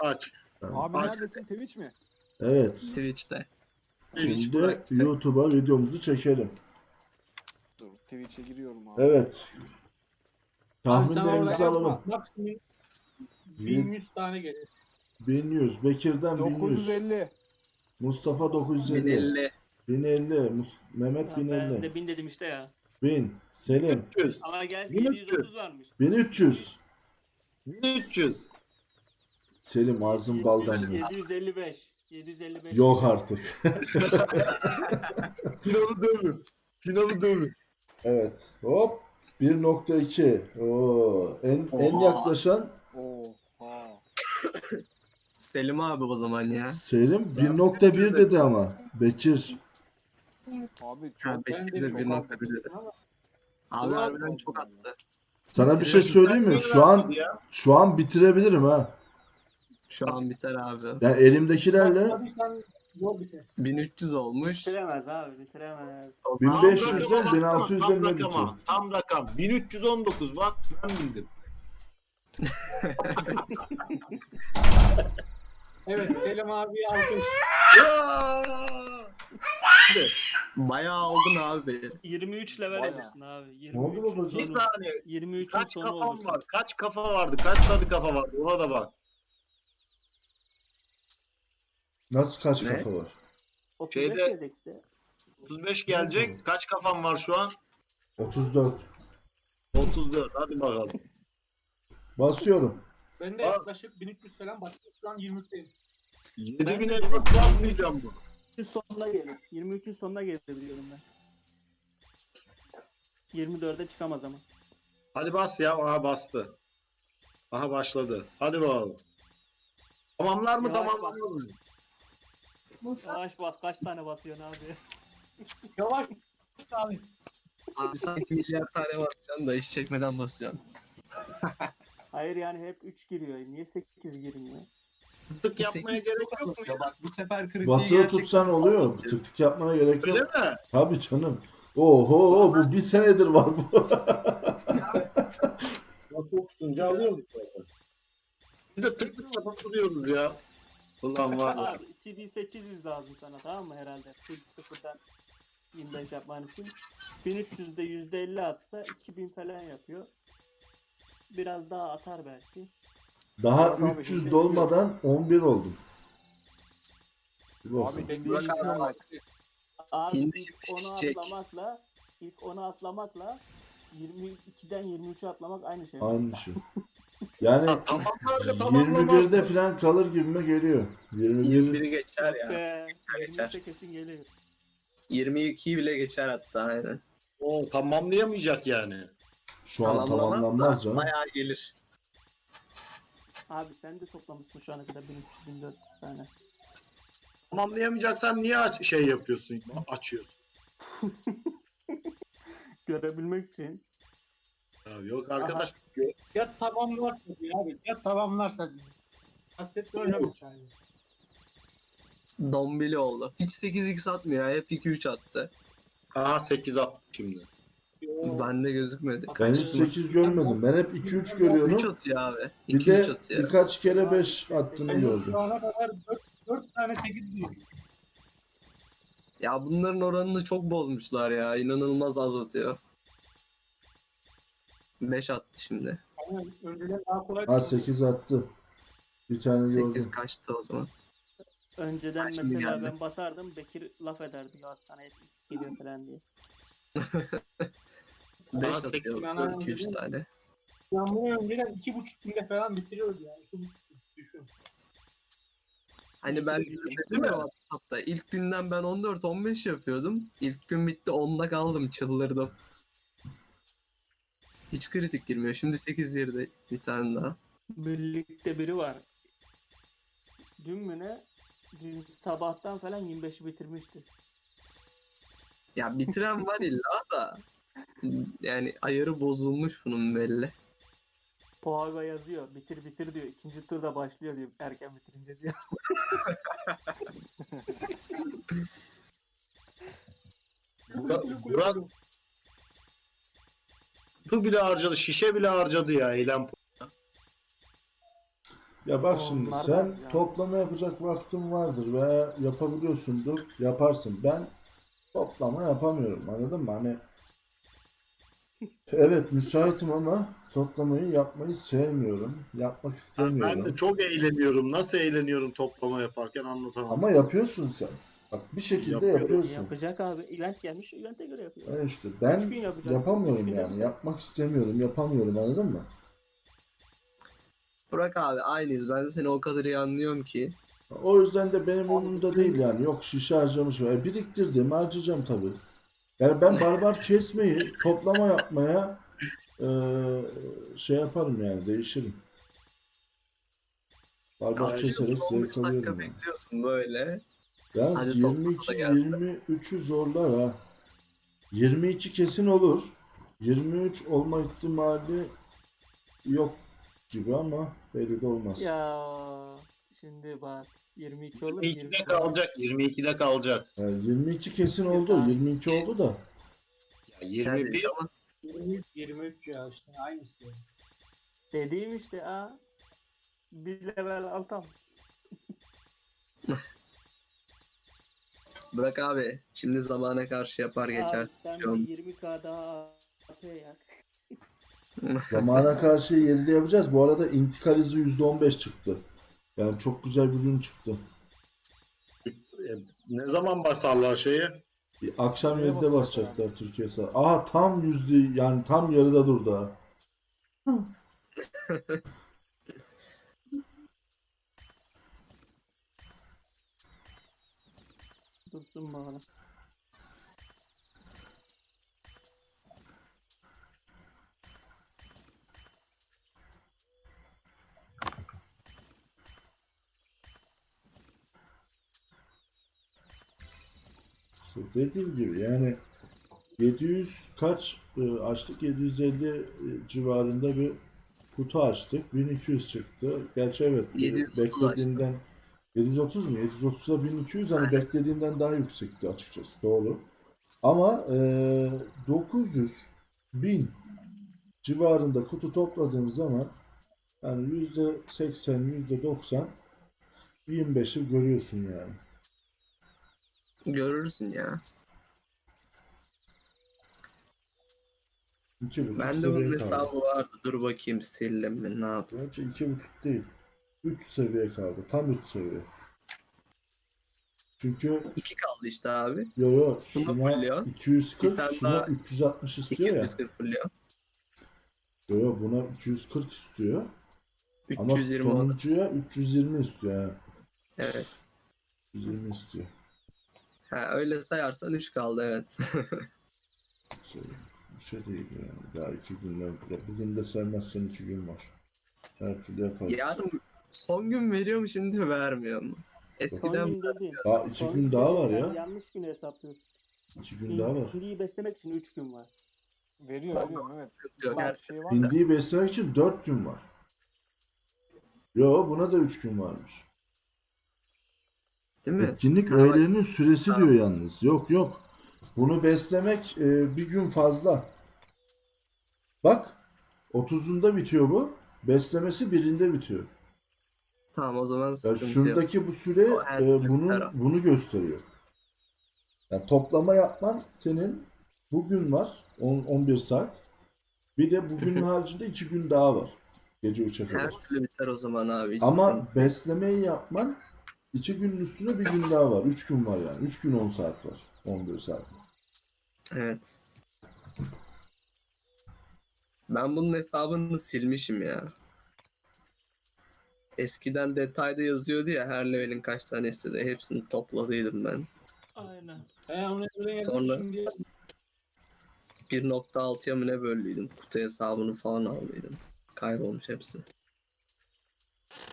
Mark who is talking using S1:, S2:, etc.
S1: Aç.
S2: Abi
S1: Aç.
S2: neredesin? Twitch mi?
S3: Evet.
S4: Twitch'te.
S3: Şimdi
S4: bıraktı.
S3: YouTube'a videomuzu çekelim.
S2: Dur Twitch'e giriyorum abi.
S3: Evet.
S5: Abi sen orada
S3: Tahminlerimizi alalım.
S5: yapma. Maksimum 1100 tane gelir.
S3: 1100. Bekir'den 1100.
S2: 950.
S3: Mustafa 950.
S4: 1050.
S3: 1050. Mehmet
S6: Ya ben
S3: 1050.
S6: de 1000 dedim işte ya.
S3: 1000. Selim.
S1: 300.
S6: Ama gel
S1: 1300.
S6: 730 varmış.
S3: 1300.
S1: 1300.
S3: Selim ağzın bal damlıyor.
S6: 755. 755.
S3: Yok artık.
S1: Sinan'ı dövün. Sinan'ı dövün.
S3: Evet. Hop. 1.2. Oo. En yaklaşan
S2: Oha.
S4: Selim abi o zaman ya.
S3: Selim 1.1 dedi ama. Bekir.
S2: Abi
S4: Ha,
S2: çok
S4: Bekir
S5: Ben
S4: de
S5: de çok
S4: 1.1 dedi. Abi harbiden çok attı.
S3: Sana bir şey söyleyeyim mi? Şu an bitirebilirim ha.
S4: Şu an biter abi.
S3: Yani elimdekilerle
S5: Bakmadıysan yol biter.
S4: 1300 olmuş.
S6: Bitiremez abi bitiremez.
S4: O zaman
S3: 1500'den 1600'den ne bitiyor?
S1: Tam rakam. 1319 bak ben bildim.
S5: Evet Selim abi alkış.
S4: bayağı aldın abi.
S6: 23 level
S2: Bayağı.
S6: olursun abi.
S3: Ne oldu
S6: 23
S3: babacığım?
S1: Bir
S6: sonu.
S1: saniye.
S6: 23'ün
S1: Kaç
S6: sonu
S1: kafam
S6: olursun.
S1: var? Kaç kafa vardı? Kaç tane kafa vardı? Ona da bak.
S3: Nasıl kaç
S4: Ne?
S3: kafa var?
S6: 35
S1: Şeyde-
S6: dedik işte.
S1: 35 gelecek. Kaç kafam var şu an?
S3: 34.
S1: 34. Hadi bakalım.
S3: Basıyorum.
S5: Ben de
S1: Bak.
S5: yaklaşık 1300 falan başladım. Şu an 23'teyim.
S1: 7000 elmas yapmayacağım bu.
S6: 23'ün sonuna gelir. 23'ün sonuna gelir biliyorum ben. 24'e çıkamaz ama.
S1: Hadi bas ya. Aha bastı. Aha başladı. Hadi bakalım. Tamamlar mı
S6: Yavaş
S1: tamamlamaz mı?
S6: Yavaş bas kaç tane basıyorsun abi?
S5: Yavaş abi.
S4: Abi sanki milyar tane basacaksın da iş çekmeden basıyorsun.
S6: Hayır yani hep 3 giriyor. Niye 8 girmiyor?
S1: Tık yapmaya
S4: 8
S1: gerek yok mu?
S4: ya? Bak bu sefer kritiği
S3: Basılı
S4: gerçekten
S3: tutsan oluyor.
S4: basatıyor.
S3: Tık tık yapmana gerek
S1: Öyle
S3: yok.
S1: mi?
S3: Tabii canım. Oho bu bir senedir var bu.
S1: Nasıl tutunca alıyoruz zaten. Biz de tık tık yapabiliyoruz ya. Ulan var ya.
S6: Abi 2800 lazım sana tamam mı herhalde? Sıfırdan 25 yapman için. 1300'de %50 atsa 2000 falan yapıyor. Biraz daha atar belki.
S3: Daha
S2: Yok abi,
S3: 300
S2: şimdi-
S3: dolmadan 11 oldum. Bir bakalım.
S2: Abi
S5: Burak
S2: dediğim
S5: abi,
S2: bak.
S6: Abi
S4: Hindi
S6: ilk
S4: şimdi
S6: 10'u
S4: şişecek.
S6: atlamakla 22'den 23'e atlamak aynı şey.
S3: Aynı şey. Yani
S1: Tamamlar da tamamlamaz
S3: 21'de
S1: mı?
S3: falan kalır gibime geliyor. 21
S4: 21'i geçer ya.
S6: Be,
S4: geçer.
S6: 23'e kesin geliyor.
S4: 22'yi bile geçer hatta aynen.
S1: O tamamlayamayacak yani.
S3: şu an
S4: Tamamlamaz
S3: tamamlanmaz
S4: da
S3: canım.
S4: bayağı gelir.
S6: Abi sen de toplamışsın şu ana kadar 1300-1400 tane.
S1: Tamamlayamayacaksan niye şey yapıyorsun? Açıyorsun.
S6: Görebilmek için.
S1: Ya yok arkadaş.
S5: Ya tamamlarsa diyor abi. Ya tamamlarsa diyor. Hasret oynamış yani.
S4: Dombili oldu. Hiç 8x atmıyor ya. Hep 2-3 attı.
S1: Aha 8 at şimdi.
S4: Bende gözükmedi.
S3: Ben hiç
S4: Kaçtı?
S3: 8 görmedim. Ben hep 2-3
S4: 3
S3: görüyorum.
S4: atıyor abi.
S3: Bir
S4: 2-3
S3: de
S4: atıyor.
S3: birkaç kere 5 attığını
S5: Ben
S3: gördüm.
S5: şu ana kadar 4 tane 8 diyor.
S4: Ya bunların oranını çok bozmuşlar ya. İnanılmaz az atıyor. 5 attı şimdi.
S5: Yani önceden daha kolay.
S3: Ha 8 attı. Bir tane
S4: 8
S3: gördüm.
S4: kaçtı o zaman.
S6: Önceden
S4: Şimdi
S6: mesela
S4: geldi.
S6: ben basardım Bekir laf ederdi ya sana hep X geliyor falan diye.
S4: 5
S1: 8
S4: atıyor.
S5: bana
S4: 2-3
S5: dedim.
S4: tane.
S5: Ben bunu önceden 2,5 günde falan bitiriyordu yani. 2,5 gün düşün.
S4: Hani ben dedim ya WhatsApp'ta ilk günden ben 14-15 yapıyordum. İlk gün bitti 10'da kaldım çıldırdım. Hiç kritik girmiyor. Şimdi 8 yerde bir tane daha.
S6: Birlikte biri var. Dün mü ne? Dün sabahtan falan 25'i bitirmişti.
S4: Ya bitiren var illa da. Yani ayarı bozulmuş bunun belli.
S6: Poaga yazıyor. Bitir bitir diyor. İkinci turda başlıyor diyor. Erken bitirince diyor.
S1: Burak bu bile harcadı. Şişe bile harcadı ya eylem.
S3: Ya bak şimdi
S6: Onlar
S3: sen
S6: var ya.
S3: toplama yapacak vaktin vardır veya yapabiliyorsundur, yaparsın. Ben toplama yapamıyorum, anladın mı? Hani evet müsaitim ama toplamayı yapmayı sevmiyorum. Yapmak
S1: Ben de
S3: istemiyorum.
S1: çok eğleniyorum. Nasıl eğleniyorum toplama yaparken anlatamam.
S3: Ama yapıyorsun sen. Bak bir şekilde
S1: Yapıyorum.
S3: yapıyorsun.
S6: Yapacak abi. Event gelmiş. Event'e göre yapıyor.
S3: Yani işte
S6: 3
S3: ben
S6: gün yapacaksın. 3
S3: yapamıyorum
S6: günde
S3: yani.
S6: biter.
S3: Yapmak istemiyorum, yapamıyorum, anladın mı?
S4: Burak abi aynıyız. Ben de seni o kadar iyi anlıyorum ki.
S3: O yüzden de benim umurumda değil yani. Yok şişe harcamışım. Biriktirdim, harcayacağım tabii. Yani ben barbar kesmeyi, toplama yapmaya şey yaparım yani, değişirim. Barbar
S1: Yani
S3: keserek
S4: 15
S3: zevk
S4: dakika
S3: alıyorum yani.
S4: bekliyorsun böyle.
S3: Yalnız
S4: Hadi toplasa da gelsin.
S3: 22-23'ü zorlar ha. 22 kesin olur. 23 olma ihtimali yok gibi ama belli de olmaz.
S6: Ya şimdi bak 22 olur
S1: 22'de
S6: 23 olur.
S1: kalacak. 22'de kalacak.
S3: Yani 22 kesin
S6: Yok
S3: oldu.
S6: abi.
S3: 22 oldu da.
S1: Ya 21
S4: Ama
S5: 23 ya işte aynısı.
S6: Dediğim işte bir level altam.
S4: Burak abi şimdi zamana karşı yapar
S6: Abi
S4: geçer.
S6: sen bir
S4: Yalnız.
S6: 20k daha AP yak.
S3: Zamana karşı 7'de yapacağız. Bu arada intikal hızı %15 çıktı. Yani çok güzel bir ürün çıktı.
S1: ne zaman basarlar şeyi?
S3: Akşam
S2: Nereye
S3: 7'de
S2: basacaklar?
S3: basacaklar Türkiye saat. Aha tam yüzde yani tam yarıda durdu ha.
S6: Dursun bana.
S3: İşte dediğim gibi yani 700 kaç açtık? 750 civarında bir kutu açtık. 1200 çıktı. Gerçi evet
S4: 730
S3: beklediğimden 730 mu? 730'a 1200 hani beklediğimden daha yüksekti açıkçası. Doğru. Ama 900 1000 civarında kutu topladığım zaman yani %80 %90 25'i görüyorsun yani.
S4: Görürsün ya.
S3: 2,5
S4: Ben de
S3: seviye
S4: bunun
S3: kaldı.
S4: hesabı vardı. Dur bakayım sildim mi ne yapayım.
S3: Gerçi 2,5 değil. 3 seviye kaldı. Tam 3 seviye. Çünkü
S4: 2 kaldı işte abi.
S3: yo
S4: Bunu
S3: şuna
S4: fulluyor. Bir
S3: 240
S4: tane
S3: şuna
S4: daha
S3: 360 istiyor ya.
S4: 240 fulluyor.
S3: Yo buna 240 istiyor. Ama
S4: 320 o da.
S3: sonuncuya 320 istiyor ha.
S4: Evet.
S3: 320 istiyor.
S4: Ha, öyle sayarsan 3 kaldı evet.
S3: Şey, bir şey değil yani. Daha 2 günler. Bugün de saymazsan 2 gün var. Her türlü yaparız.
S4: Yarın son gün veriyor mu şimdi vermiyor mu?
S6: Son
S4: Eskiden
S6: gün dedin.
S3: Daha 2
S6: Son
S3: gün
S6: gün
S3: daha
S6: dedin,
S3: var
S6: sen
S3: ya.
S6: yanlış günü hesaplıyorsun.
S3: 2 gün daha var.
S6: Hindiyi beslemek için 3 gün var.
S2: veriyor evet.
S4: sıkıntı yok. Her
S2: Her şey var da.
S3: Hindiyi beslemek için 4 gün var. Yo buna da 3 gün varmış.
S4: değil mi?
S3: Etkinlik
S4: Ha, bak,
S3: öğelerinin süresi
S4: Tamam.
S3: diyor yalnız. Yok. Bunu beslemek bir gün fazla. Bak 30'unda bitiyor bu. Beslemesi 1'inde bitiyor.
S4: tamam o zaman
S3: Ya
S4: sıkıntı yok.
S3: şuradaki bu süre
S4: O her türlü biter o.
S3: bunu gösteriyor. Yani toplama yapman senin bugün var 11 saat. Bir de bugünün haricinde 2 gün daha var. Gece 3'e
S4: Her
S3: kadar.
S4: türlü biter o zaman abi. Hiç
S3: Ama
S4: sıkıntı.
S3: beslemeyi yapman 2 günün üstüne bir gün daha var. 3 gün var yani. 3 gün 10 saat var. 11 saat.
S4: Evet. Ben bunun hesabını silmişim ya. Eskiden detayda yazıyordu ya her levelin kaç tane istedi. Hepsini topladıydım ben.
S6: Aynen.
S5: Onu öyle
S4: Sonra-
S5: şimdi
S4: 1.6'ya mı ne böldüydüm. Kutu hesabını falan aldıydım. Kaybolmuş hepsi.